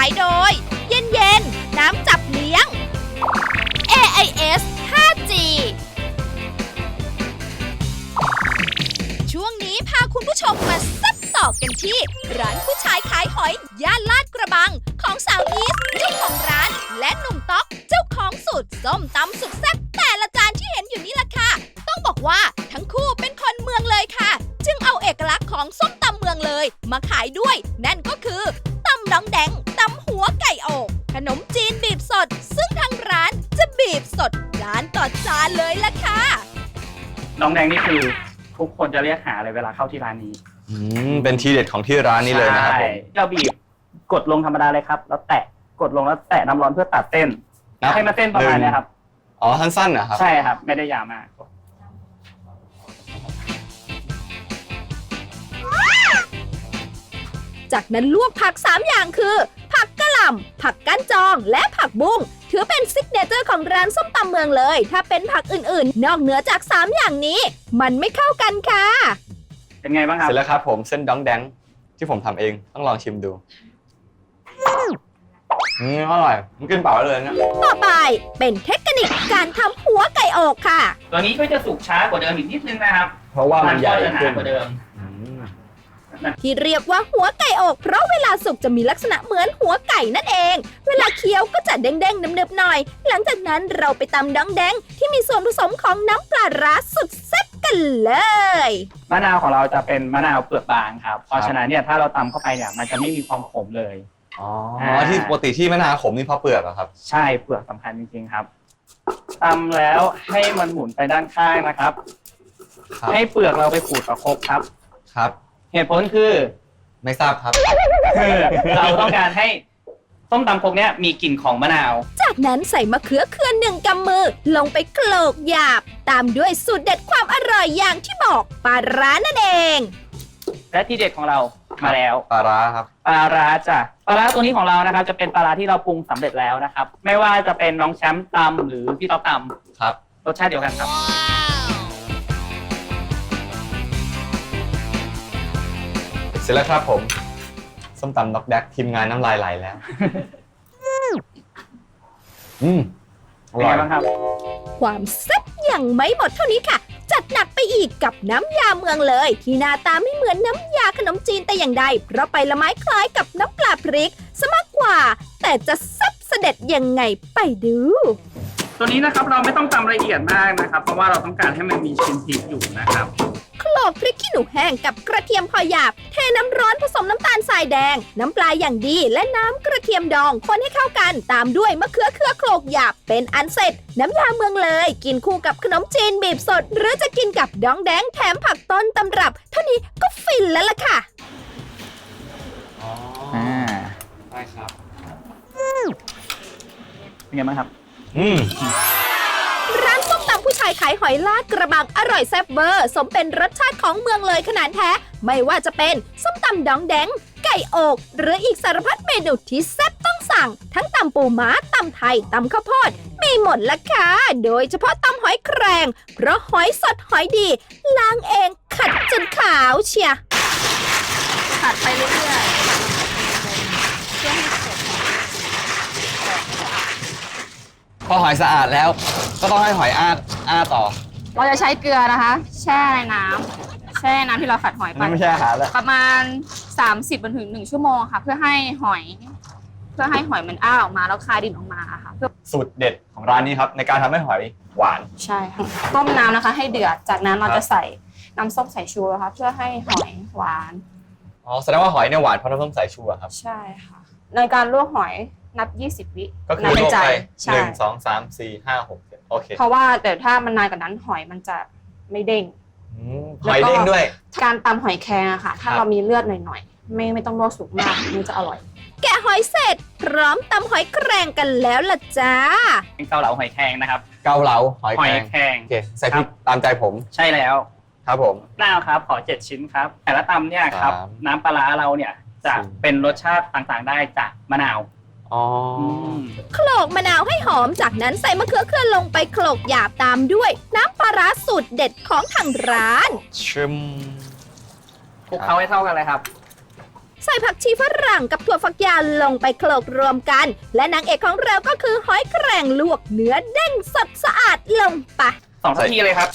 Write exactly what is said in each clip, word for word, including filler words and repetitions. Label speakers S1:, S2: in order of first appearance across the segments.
S1: ายโดย เย็นเย็นน้ำจับเลี้ยง เอ ไอ เอส ห้าจี ช่วงนี้พาคุณผู้ชมมาซับต่อกันที่ร้านผู้ชายขายหอยย่านลาดกระบังของสาวอีสเจ้าของร้านและหนุ่มต๊อกเจ้าของสูตรส้มตำสุดแซ่บแต่ละจานที่เห็นอยู่นี่ล่ะค่ะต้องบอกว่าทั้งคู่เป็นคนเมืองเลยค่ะจึงเอาเอกลักษณ์ของส้มตำเมืองเลยมาขายด้วยนั่นก็คือตำน้องแดงตำหัวไก่อกขนมจีนบีบสดซึ่งทางร้านจะบีบสดจานต่อจานเลยล่ะค่ะ
S2: น้องแดงนี่คือทุกคนจะเรียกหาเลยเวลาเข้าที่ร้านนี้
S3: อืมเป็นทีเด็ดของที่ร้านนี้เลยนะครับผม
S2: เราบีบกดลงธรรมดาเลยครับแล้วแตะกดลงแล้วแตะน้ำร้อนเพื่อตัดเส้นให้มันเส้นประมาณนี้ครับ
S3: อ๋อสั้นๆนะครับ
S2: ใช่ครับไม่ได้ยาวมาก
S1: จากนั้นลวกผักสามอย่างคือ ผักกะหล่ำผักก้านจองและผักบุ้งถือเป็นซิกเนเจอร์ของร้านส้มตำเมืองเลยถ้าเป็นผักอื่นๆ นอกเหนือจากสามอย่างนี้ มันไม่เข้ากันค่ะ
S2: เป็นไงบ้างครับ
S3: เสร็จแล้วครับผมเส้นดองแดงที่ผมทำเองต้องลองชิมดูอืมอร่อยมันกินเปล่าได้เลยนะ
S1: ต่อไปเป็นเทคนิคการทำหัวไก่อกค่ะ
S2: ตัวนี้ก็จะสุกช้ากว่าเดิมอีกนิดนึงนะครับ
S3: เพราะว่ามันใหญ่
S2: ก็จะหนา
S3: ขึ้น
S2: กว่าเดิม
S3: อืม
S1: ที่เรียกว่าหัวไก่อกเพราะเวลาสุกจะมีลักษณะเหมือนหัวไก่นั่นเอง เวลาเคี้ยวก็จะเด้งๆนึบๆหน่อย หลังจากนั้นเราไปตำดองแดงที่มีส่วนผสมของน้ำปลาร้าสุดแซ่บกันเลย
S2: มะนาวของเราจะเป็นมะนาวเปลือกบางครับเพราะฉะนั้นเนี่ยถ้าเราตำเข้าไปเนี่ยมันจะไม่มีความขมเลย
S3: อ๋อที่ปกติที่มะนาวขมนี่เพราะเปลือกเหรอครับ
S2: ใช่เปลือกสำคัญจริงๆครับตำแล้วให้มันหมุนไปด้านข้างนะครับ
S3: ครับ
S2: ให้เปลือกเราไปขูดกับครกครับ
S3: ครับ
S2: เหตุผลคือ
S3: ไม่ทราบครับ
S2: คือเราต้องการให้ส้มตำครกเนี้ยมีกลิ่นของมะนาว
S1: จากนั้นใส่มะเขือเคือนหนึ่งกำมือ ลงไปโขลกหยาบ ตามด้วยสูตรเด็ดความอร่อยอย่างที่บอกปลาร้านั่นเอง
S2: และที่เด็ดของเรามาแล้ว
S3: ปลาร้าครับ
S2: ปลาร้าจ้ะปลาร้าตัวนี้ของเรานะครับจะเป็นปลาร้าที่เราปรุงสำเร็จแล้วนะครับ ไม่ว่าจะเป็นน้องแชมป์ตำหรือพี่ต๊อกต
S3: ครับ
S2: ำรสชาติเดียวกันครับ
S3: เสร็จแล้วครับผมส้มตำดอกแดกทีมงานน้ำลายไหลแล้ว อืมอ
S2: เป็น
S3: ร่อ
S2: ไง
S3: ย
S2: บ้างครับ
S1: ความแซ่บยังไม่หมดเท่านี้ค่ะ จัดหนักไปอีกกับน้ำยาเมืองเลย ที่หน้าตาไม่เหมือนน้ำยาขนมจีนแต่อย่างใด เพราะไปละไม้คล้ายกับน้ำปลาพริกซะมากกว่า แต่จะแซ่บเสด็จยังไงไปดู
S2: ตัวนี้นะครับเราไม่ต้องตำละเอียดมากนะครับ เพราะว่าเราต้องการให้มันมีชิ้นพริกอยู่นะครับ
S1: โขลกพริกขี้หนูแห้งกับกระเทียมพอหยาบ เทน้ำร้อนผสมน้ำตาลทรายแดง น้ำปลาอย่างดี และน้ำกระเทียมดองคนให้เข้ากัน ตามด้วยมะเขือเคือโขลกหยาบเป็นอันเสร็จ น้ำยาเมืองเลย กินคู่กับขนมจีนบีบสด หรือจะกินกับดองแดงแถมผักต้นตำรับ เท่านี้ก็ฟินแล้วล่ะค่ะ
S3: อ๋อ
S2: อ่า
S3: ได้ครับ
S2: เป็นไงบ้างครับ
S3: อืม
S1: ร้านส้มตำผู้ชายขายหอยลาดกระบังอร่อยแซ่บเวอร์สมเป็นรสชาติของเมืองเลยขนาดแท้ ไม่ว่าจะเป็นส้มตำดองแดง ไก่อก หรืออีกสารพัดเมนูที่แซ่บต้องสั่ง ทั้งตำปูม้าตำไทยตำข้าวโพดมีหมดละค่ะ โดยเฉพาะตำหอยแครงเพราะหอยสดหอยดีล้างเองขัดจนขาวเชียขัดไปเรื่อยๆเพื่อให้เสร็จ
S3: พอหอยสะอาดแล้ว ก็ต้องให้หอยอ้าอ้าต่อ
S4: เราจะใช้เกลือนะคะ แช่ในน้ำแช่น้ำที่เราขัดหอยไป
S3: นั่นไม่ใช่อาหารแล้ว
S4: ประมาณ สามสิบถึงหนึ่งชั่วโมงค่ะ เพื่อให้หอย เพื่อให้หอยมันอ้าออกมาแล้วคายดินออกมาค่ะเพื่อ
S3: สูตรเด็ดของร้านนี้ครับในการทำให้หอยหวาน
S4: ใช่ค่ะต้มน้ำนะคะ ให้เดือดจากนั้นเราจะใส่น้ำส้มสายชูนะคะเพื่อให้หอยหวาน
S3: อ๋อแสดงว่าหอยเนี่ยหวานเพราะน้ำส้มสายชูอะครับ
S4: ใช่ค่ะ ในการลวกหอยนับ ยี่สิบ วิ
S3: ก็คือ
S4: นับ
S3: ล
S4: เป็น
S3: วก
S4: ใจ
S3: ไป
S4: ใช่
S3: หนึ่งสองสามสี่ห้าหกเจ็ดโอเค
S4: เพราะว่าแต่ถ้ามันนานกว่านั้นหอยมันจะไม่เด้ง
S3: อืมหอยเด้งด้วย
S4: การตำหอยแครงอะค่ะ ถ้า
S3: ครับ
S4: เรามีเลือดหน่อยๆ ไม่ไม่ต้องลวกสุกมากมันจะอร่อย
S1: แกะหอยเสร็จ พร้อมตำหอยแครงกันแล้วล่ะจ้า
S2: เป็นเกาเหลาหอยแครงนะครับ
S3: เกาเหลาหอย
S2: ห
S3: แค
S2: อย
S3: รง
S2: แครง
S3: โอเคใส่พริกตามใจผม
S2: ใช่แล้ว
S3: ครับผม
S2: หน้าครับขอเจ็ดชิ้นครับ แต่ละตำเนี่ยครับ
S3: สาม
S2: น้ำปลาร้าเราเนี่ยจะ
S3: สี่
S2: เป็นรสชาติต่างๆได้จากมะนาว
S3: อ๋ออ
S2: ม
S1: โขลกมะนาวให้หอมจากนั้นใส่มะเขือเคืองลงไปโขลกหยาบตามด้วย น้ำปลาร้าสูตรเด็ดของทางร้าน
S3: ชิม
S2: คลุกเคล้าให้เท่ากันเลยครับ
S1: ใส่ผักชีฝรั่งกับถั่วฝักยาวลงไปโขลกรวมกัน และนางเอกของเราก็คือหอยแครงลวกเนื้อเด้งสดสะอาดลงไป
S2: สองทัพพีเลยครับ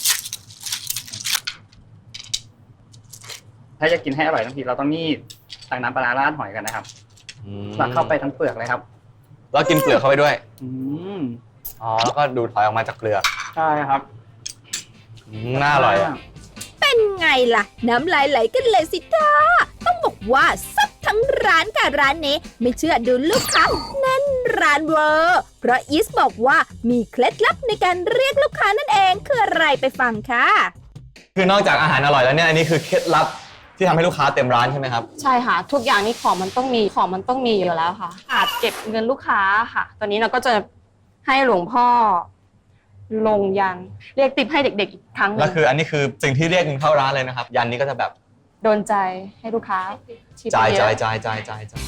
S2: ถ้าจะกินให้อร่อยทั้งทีเราต้องนี่ตักน้ำปลาร้าราดหอยกันนะครับ
S3: อืม
S2: ตักเข้าไปทั้งเปลือกเลยครับ
S3: แล้วกินเปลือกเข้าไปด้วย
S2: อืม
S3: อ๋อ แล้วก็ดูดหอยออกมาจากเปลือก
S2: ใช่ครับ
S3: อืมน่าอร่อยอะ
S1: เป็นไงล่ะ น้ำลายไหลกันเลยสิจ้าต้องบอกว่าซับทั้งร้านกับร้านนี้ไม่เชื่อดูลูกค้าแน่นร้านเวอร์เพราะอีสบอกว่ามีเคล็ดลับในการเรียกลูกค้านั่นเองคืออะไรไปฟังค่ะ
S3: คือนอกจากอาหารอร่อยแล้วเนี่ยอันนี้คือเคล็ดลับที่ทำให้ลูกค้าเต็มร้านใช่ไหมครับ
S4: ใช่ค่ะ ทุกอย่างนี้ของมันต้องมีของมันต้องมีอยู่แล้วค่ะ อาจเก็บเงินลูกค้าค่ะ ตอนนี้เราก็จะให้หลวงพ่อลงยันเรียกติปให้เด็กๆอีกครั้งหนึ่
S3: แล้ว
S4: ง
S3: คืออันนี้คือสิ่งที่เรียกเงินเข้าร้านเลยนะครับ ยันนี้ก็จะแบบ
S4: โดนใจให้ลูกค้าชิป
S3: จ่าย
S4: เย
S3: จ่าย
S4: อะ
S3: จ่ายจ่ายจ่ายจ่าย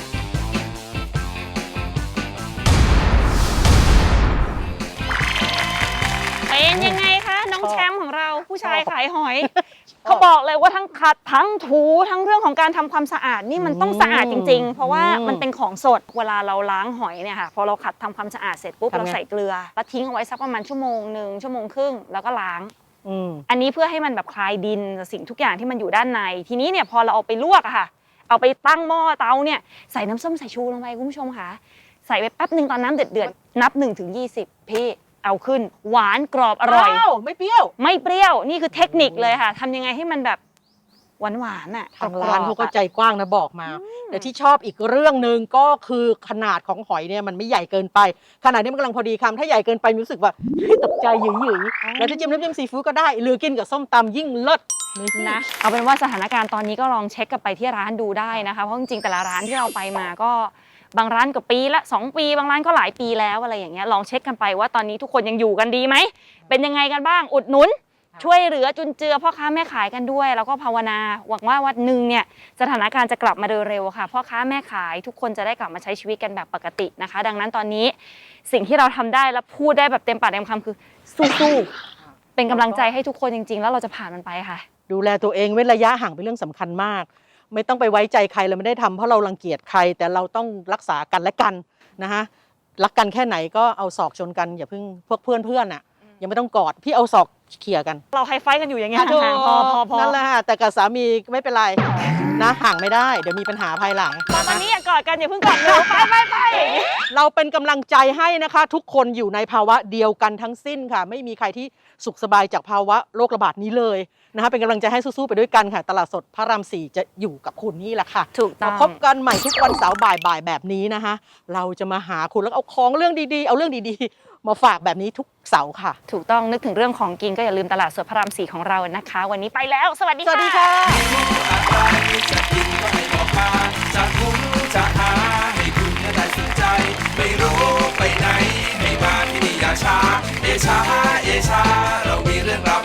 S5: เป็นยังไงคะน้องแชมป์ของเราผู้ชายขายหอย เขาบอกเลยว่าทั้งขัดทั้งถูทั้งเรื่องของการทำความสะอาดนี่มันต้องสะอาดจริงๆ เพราะว่ามันเป็นของสดเวลาเราล้างหอยเนี่ยค่ะพอเราขัดทำความสะอาดเสร็จปุ๊บเราใส่เกลือแล้วทิ้งเอาไว้สักประมาณชั่วโมงหนึ่งชั่วโมงครึ่งแล้วก็ล้างอันนี้เพื่อให้มันแบบคลายดินสิ่งทุกอย่างที่มันอยู่ด้านในทีนี้เนี่ยพอเราเอาไปลวกอะค่ะเอาไปตั้งหม้อเตาเนี่ยใส่น้ำส้มสายชูลงไปคุณผู้ชมค่ะใส่ไปแป๊บหนึ่งตอนน้ำเดือดๆนับหนึ่งถึงยี่สิบพี่เอาขึ้นหวานกรอบอร่อยไม่เปรี้ยวไม่เปรี้ยวนี่คือเทคนิคเลยค่ะทำยังไงให้มันแบบหวานหวานๆอ่ะ
S6: ทางร้านเขาก็ใจกว้างนะบอกมา แต่ที่ชอบอีกเรื่องหนึ่งก็คือขนาดของหอยเนี่ยมันไม่ใหญ่เกินไปขนาดนี้มันกำลังพอดีคำถ้าใหญ่เกินไปรู้สึกว่าตกใจหยิ่ยๆแล้วจะจิ้มน้ำจิ้มซีฟู้ดก็ได้หรือกินกับส้มตำยิ่งเลิศ
S5: นะเอาเป็นว่าสถานการณ์ตอนนี้ก็ลองเช็คกันไปที่ร้านดูได้นะคะเพราะจริงๆแต่ละร้านที่เราไปมาก็บางร้านก็ปีละสองปีบางร้านก็หลายปีแล้วอะไรอย่างเงี้ยลองเช็คกันไปว่าตอนนี้ทุกคนยังอยู่กันดีไหมเป็นยังไงกันบ้างอุดหนุนช่วยเหลือจุนเจือพ่อค้าแม่ขายกันด้วยแล้วก็ภาวนาหวังว่าวันหนึ่งเนี่ยสถานการณ์จะกลับมาโดยเร็วค่ะพ่อค้าแม่ขายทุกคนจะได้กลับมาใช้ชีวิตกันแบบปกตินะคะดังนั้นตอนนี้สิ่งที่เราทำได้และพูดได้แบบเต็มปากเต็มคำคือสู้ๆเป็นกำลังใจให้ทุกคนจริงๆแล้วเราจะผ่านมันไปค่ะ
S6: ดูแลตัวเองเว้นระยะห่างเป็นเรื่องสำคัญมากไม่ต้องไปไว้ใจใครเราไม่ได้ทำเพราะเรารังเกียจใครแต่เราต้องรักษากันและกันนะฮะรักกันแค่ไหนก็เอาศอกชนกันอย่าเพิ่งพวกเพื่อนเพื่อนอ่ะยังไม่ต้องกอดพี่เอาศอกเขี่ยกัน
S5: เราไฮไฟกันอยู่อย่างเงี้ย
S6: อ่ะถูก
S5: ห่างๆพอพอพอ
S6: นั่นแหละฮะแต่กับสามีไม่เป็นไรนะห่างไม่ได้เดี๋ยวมีปัญหาภายหลัง
S5: ตอนนี้อย่ากอดกันอย่าเพิ่งกอดกันไปไปไป
S6: เราเป็นกำลังใจให้นะคะ ทุกคนอยู่ในภาวะเดียวกันทั้งสิ้นค่ะ ไม่มีใครที่สุขสบายจากภาวะโรคระบาดนี้เลยนะคะเป็นกำลังใจให้สู้ๆไปด้วยกันค่ะ ตลาดสดพระรามสี่จะอยู่กับคุณนี่แหละค่ะ
S5: ถูกต้อง
S6: มาพบกันใหม่ทุกวันเสาร์บ่ายๆแบบนี้นะคะ เราจะมาหาคุณแล้วเอาของเรื่องดีๆ เอาเรื่องดีๆ มาฝากแบบนี้ทุกเสาร์ค่ะ
S5: ถูกต้องนึกถึงเรื่องของกินก็อย่าลืมตลาดสดพระรามสี่ของเรานะคะ วันนี้ไปแล้ว สวัสดี
S6: สวัสดีค่ะ
S7: จะกินก็ให้บอกมาจะคุ้มจะหาให้คุณได้สนใจ ไม่รู้ไปไหนให้มาที่นี่อย่าช้าเอชาเอชาเรามีเรื่องราว